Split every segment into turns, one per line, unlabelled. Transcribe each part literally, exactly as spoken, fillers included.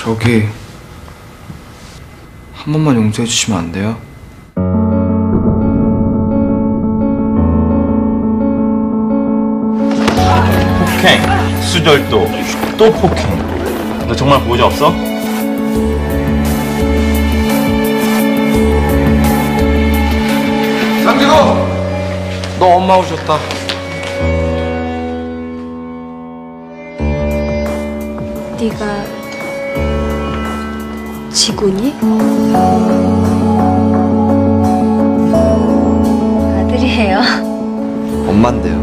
저기 한 번만 용서해 주시면 안 돼요?
폭행, 수절도, 또 폭행. 너 정말 보호자 없어?
상진호! 너 엄마 오셨다.
네가 지곤이? 아들이에요.
엄만데요.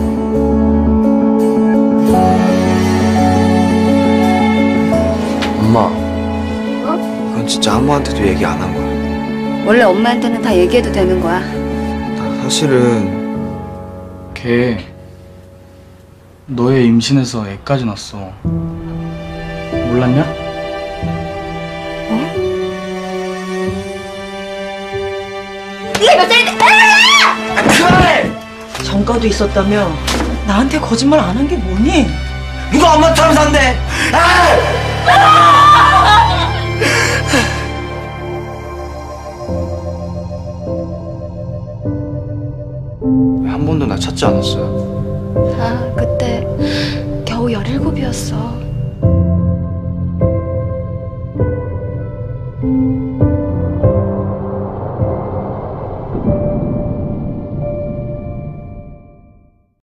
엄마. 어? 이건 진짜 아무한테도 얘기 안 한 거야.
원래 엄마한테는 다 얘기해도 되는 거야.
나 사실은
걔 너의 임신해서 애까지 낳았어. 몰랐냐?
어? 네가 몇 살인데?
아, 그만해!
전과도 있었다며 나한테 거짓말 안 한 게 뭐니?
누가 엄마처럼 산대? 아! 왜 한 번도 나 찾지 않았어요?
아, 그때 겨우 열일곱이었어.